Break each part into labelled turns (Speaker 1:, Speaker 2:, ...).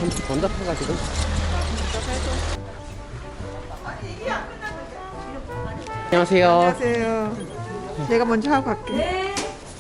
Speaker 1: 점수 번잡해가지고. 안녕하세요.
Speaker 2: 안녕하세요. 내가 먼저 하고 갈게.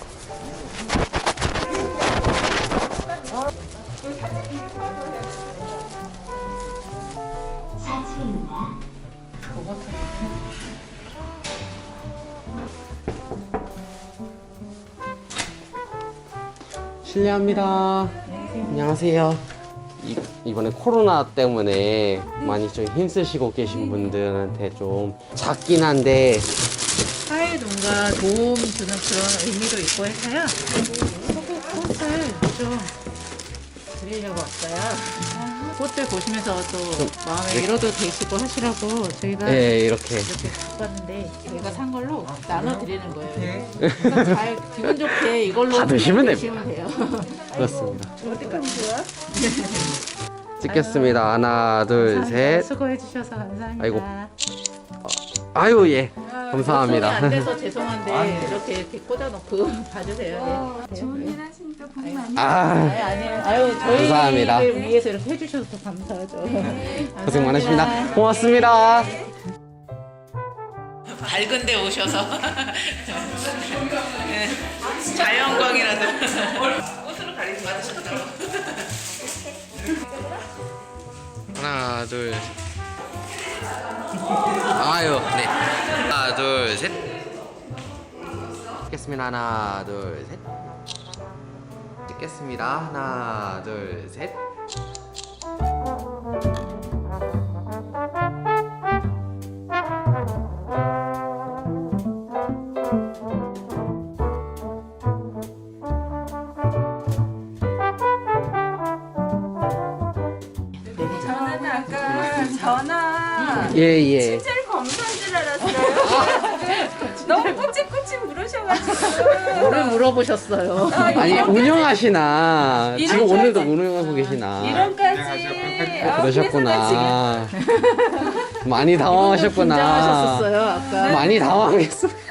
Speaker 1: 실례합니다. 안녕하세요. 이번에 코로나 때문에 많이 좀 힘쓰시고 계신 분들한테 좀 작긴 한데
Speaker 3: 사회 농가 도움 주는 그런 의미도 있고 해서요. 꽃을 좀 드리려고 왔어요. 꽃들 보시면서 또 마음의 위로도 되시고 하시라고 저희가
Speaker 1: 네, 이렇게
Speaker 3: 이렇게 갖고 왔는데 저희가 산 걸로 나눠 드리는 거예요. 그래서 잘 기분 좋게 이걸로
Speaker 1: 다 드시면
Speaker 3: 드시면 돼요.
Speaker 1: 그렇습니다.
Speaker 3: 어디까지 좋아?
Speaker 1: 찍겠습니다. 하나, 둘, 셋.
Speaker 3: 수고해 주셔서 감사합니다.
Speaker 1: 아이고. 아유, 예.
Speaker 3: 손이
Speaker 1: 감사합니다.
Speaker 3: 안 돼서 죄송한데 이렇게 꽂아놓고 봐주세요. 네.
Speaker 4: 좋은 일 하시니까 복 많이
Speaker 1: 아,
Speaker 3: 아니에요. 아유,
Speaker 1: 감사합니다.
Speaker 3: 저희를 위해서 이렇게 해주셔서 감사하죠.
Speaker 1: 고생 많으십니다. 고맙습니다.
Speaker 3: 밝은데 오셔서 자연광이라도 꽃으로 가리지 받으셨다고.
Speaker 1: 하나, 둘. 아유, 네. 하나, 둘, 셋. 찍겠습니다. 하나, 둘, 셋. 찍겠습니다. 하나, 둘, 셋.
Speaker 4: 저는 아까 전화
Speaker 1: 예, 예.
Speaker 4: 친절 검사인 줄 알았어요. 너무 꼬치꼬치 물으셔가지고
Speaker 3: 뭐를 물어보셨어요?
Speaker 1: 아니, 운영하시나. 지금
Speaker 4: 이런
Speaker 1: 오늘도 운영하고 계시나.
Speaker 4: 이런까지
Speaker 1: 그러셨구나. 많이 당황하셨구나.
Speaker 3: 긴장하셨었어요 아까.
Speaker 1: 많이 당황했어.